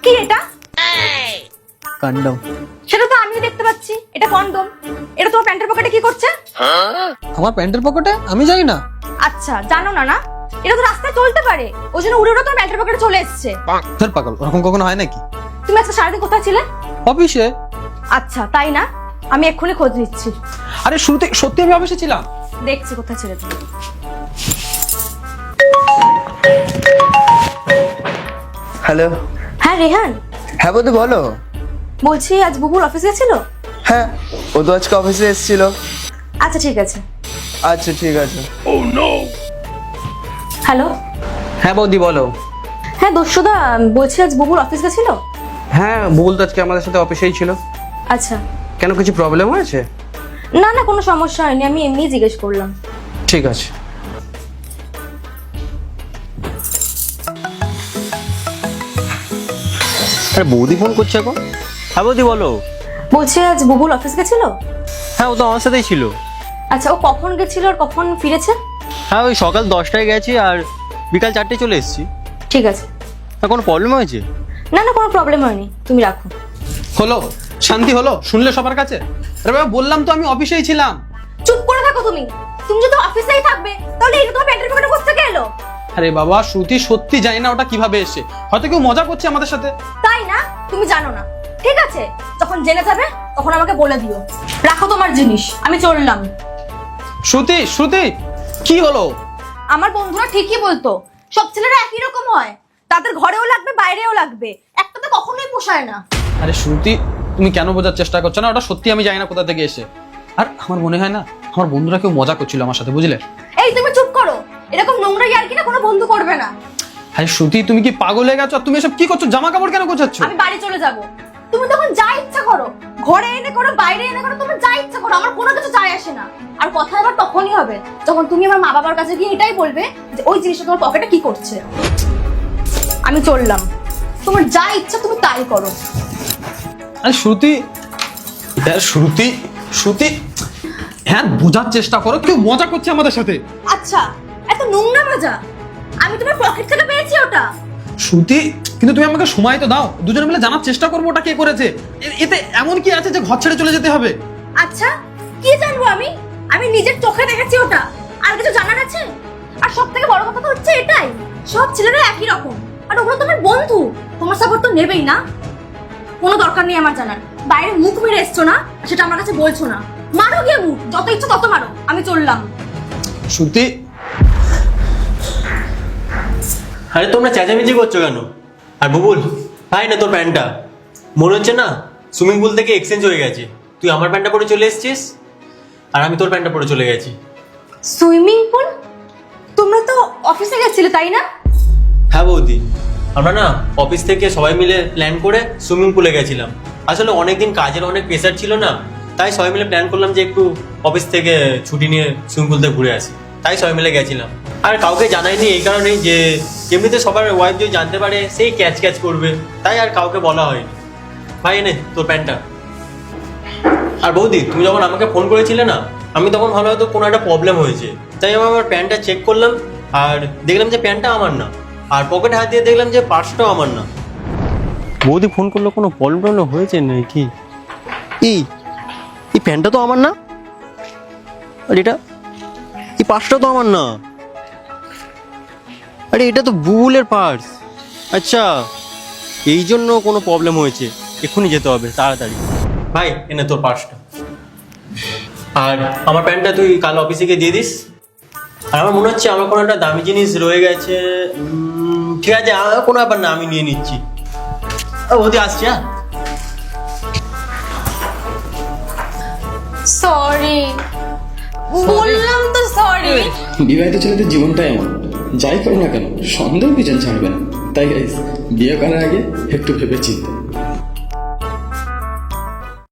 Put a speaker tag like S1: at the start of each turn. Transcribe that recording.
S1: কি এটা?
S2: কন্ডম।
S1: সেটা তো আমিও দেখতে পাচ্ছি, এটা কন্ডম। এটা তোমার প্যান্টের পকেটে কি করছে?
S2: আমার প্যান্টের পকেটে? আমি জানি না।
S1: আচ্ছা, জানো না না? এটা তো রাস্তায় চলতে পারে, ওই জন্য উড়ে উড়ে তোমার প্যান্টের পকেটে চলে এসছে।
S2: তোর পাগল, ওরকম কখনো হয় নাকি?
S1: তুমি আজকে সারাদিন কোথায় ছিলে?
S2: অফিসে।
S1: আচ্ছা, তাই না? আমি এক্ষুনি খোঁজ নিচ্ছি।
S2: আরে শুরুতে সত্যি আমি অফিসে ছিলাম।
S1: দেখছি কোথায় ছিলে তুমি।
S3: হ্যালো।
S1: হ্যাঁ রেহান,
S3: হ্যাঁ বৌদি বলো।
S1: বলছি আজ বুবুল অফিসে ছিল?
S3: হ্যাঁ, ও তো আজকে অফিসে এসেছিল।
S1: আচ্ছা ঠিক আছে।
S3: আচ্ছা ঠিক আছে।
S1: হ্যালো।
S2: হ্যাঁ বৌদি বলো।
S1: হ্যাঁ দস্যুদা, বলছি আজ বুবুল অফিসে ছিল?
S2: হ্যাঁ, বুবুল তো আজকে আমাদের সাথে অফিসেই ছিল।
S1: আচ্ছা।
S2: কেন, কিছু প্রবলেম হয়েছে?
S1: না না, কোনো সমস্যা হয়নি, আমি এমনি জিজ্ঞেস করলাম।
S2: ঠিক আছে। আরে বৌদি ফোন করছে এখন। হ্যাঁ বৌদি বলো।
S1: বলছি আজ বুবুল অফিস গেছিল?
S2: হ্যাঁ, ও তো আমার সাথেই ছিল।
S1: আচ্ছা, ও কখন গেছিল আর কখন ফিরেছে?
S2: হ্যাঁ, ওই সকাল 10টায় গেছি আর বিকাল 4টায় চলে এসেছি।
S1: ঠিক আছে।
S2: হ্যাঁ, কোনো প্রবলেম হয়েছে?
S1: না না, কোনো প্রবলেম হয়নি, তুমি রাখো।
S4: হলো, শান্তি হলো শুনলে সবার কাছে? আরে বাবা, বললাম তো আমি অফিসেই ছিলাম।
S1: চুপ করে থাকো তুমি। তুমি যদি অফিসেই থাকবে তাহলে এটা তোমার প্যান্টের পকেটে কোথা থেকে এলো?
S4: আরে বাবা, শ্রুতি সত্যি জানি না ওটা কিভাবে এসে, হয়তো কেউ মজা করছে আমাদের সাথে।
S1: তাই না? তুমি জানো না? ঠিক আছে, যখন জেনে যাবে তখন আমাকে বলে দিও। রাখো তোমার জিনিস, আমি চললাম।
S4: শ্রুতি, শ্রুতি, কি হলো?
S1: আমার বন্ধুরা ঠিকই বলতো, সব ছেলেরা একই রকম হয়, তাদের ঘরেও লাগবে বাইরেও লাগবে, একটা তো কখনোই পোষায় না।
S4: আরে শ্রুতি, তুমি কেন বোঝার চেষ্টা করছো না? ওটা সত্যি আমি জানি না কোথা থেকে এসে। আর আমার মনে হয় না আমার বন্ধুরা কেউ মজা করছিল আমার সাথে, বুঝলে?
S1: এই তুমি চুপ করো, এরকম নোংরা ইয়ার্কি না কোনো বন্ধু করবে না।
S4: আরে শ্রুতি, তুমি কি পাগল হয়ে গেছো? আর তুমি এসব কি করছো? জামা কাপড় কেন গোছাচ্ছ?
S1: আমি বাড়ি চলে যাব, তুমি তখন যা ইচ্ছা করো, ঘরে এনে করো বাইরে এনে করো, তুমি যা ইচ্ছা করো, আমার কোনো কিছু যায় আসে না। আর কথা এবার তখনই হবে যখন তুমি আমার মা বাবার কাছে গিয়ে এটাই বলবে যে ওই জিনিসটা তোমার পকেটে কি করছে। আমি চললাম, তোমার যা ইচ্ছা তুমি তাই করো।
S4: আরে শ্রুতি, শ্রুতি, শ্রুতি, হ্যাঁ বোঝার চেষ্টা করো, কেউ মজা করছে আমাদের সাথে।
S1: আচ্ছা, এত নোংরা মজা? আমি তোমার পকেট থেকে পেয়েছি ওটা।
S4: শ্রুতি, কিন্তু তুমি আমাকে সময় তো দাও, দুজনে মিলে জানার চেষ্টা করবো ওটা কে করেছে। এতে এমন কি আছে যে ঘর ছেড়ে চলে যেতে হবে?
S1: আচ্ছা, কি জানবো আমি? আমি নিজের চোখে দেখেছি ওটা, আর কিছু জানার আছে? আর সব থেকে বড় কথা তো হচ্ছে এটাই, সব ছেলেরা একই রকম, আর ওগুলো তোমার বন্ধু, তোমার সাপোর্ট তো নেবেই না। কোনো দরকার নেই আমার জানার। বাইরে মুখ মেরে এসছো না, আর সেটা আমার কাছে বলছো না। মারো গিয়ে মুখ, যত ইচ্ছা তত মারো, আমি চললাম।
S4: শ্রুতি,
S5: আরে তোমরা চেঁচামেচি করছো কেন? আর বুবুল, ভাই না তোর প্যান্টটা মনে হচ্ছে না সুইমিং পুল থেকে এক্সচেঞ্জ হয়ে গেছে। তুই আমার প্যান্টটা পরে চলে এসেছিস আর আমি তোর প্যান্টটা পরে চলে গেছি।
S1: Swimming pool? তোমরা তো অফিসে গেছিলে তাই না?
S5: হ্যাঁ বৌদি, আমরা না অফিস থেকে সবাই মিলে প্ল্যান করে সুইমিং পুলে গেছিলাম। আসলে অনেকদিন কাজের অনেক প্রেশার ছিল না, তাই সবাই মিলে প্ল্যান করলাম যে একটু অফিস থেকে ছুটি নিয়ে সুইমিং পুল থেকে ঘুরে আসি, তাই সবাই মিলে গেছিলাম। আর কাউকে জানাইনি এই কারণেই যে এমনিতে সবার ওয়াইফ যদি জানতে পারে সেই ক্যাচ ক্যাচ করবে, তাই আর কাউকে বলা হয়নি। ভাই এনে তোর প্যান্টটা। আর বৌদি, তুমি যখন আমাকে ফোন করেছিলে না, আমি তখন ভালো হয়তো কোনো একটা প্রবলেম হয়েছে, তাই আমি আমার প্যান্টটা চেক করলাম আর দেখলাম যে প্যান্টটা আমার না, আর পকেটে হাত দিয়ে দেখলাম যে পার্সটাও আমার না। বৌদি ফোন করলো, কোনো প্রবলেম হয়েছে নাকি? এই প্যান্টটা তো আমার না, আর এটা এই পার্সটা তো আমার না, আরে এটা তো বুবুলের পার্স। আচ্ছা, এই জন্য কোনো প্রবলেম হয়েছে, এক্ষুনি যেতে হবে তাড়াতাড়ি। ভাই এনে তোর পার্সটা, আর আমার প্যান্টটা তুই কাল অফিসে গিয়ে দিয়ে দিস। আর আমার মনে হচ্ছে আমার কোনো একটা দামি জিনিস রয়ে গেছে। ঠিক আছে, কোনো ব্যাপার না, আমি নিয়ে নিচ্ছি। বৌদি আসছি। হ্যাঁ
S1: সরি, বললাম তো সরি।
S6: বিবাহিত ছেলেদের জীবনটাই এমন, যাই করো না কেন সন্দেহ পিছন ছাড়বে না। তাই গাইস, বিয়ে করার আগে একটু ভেবে চিন্তা।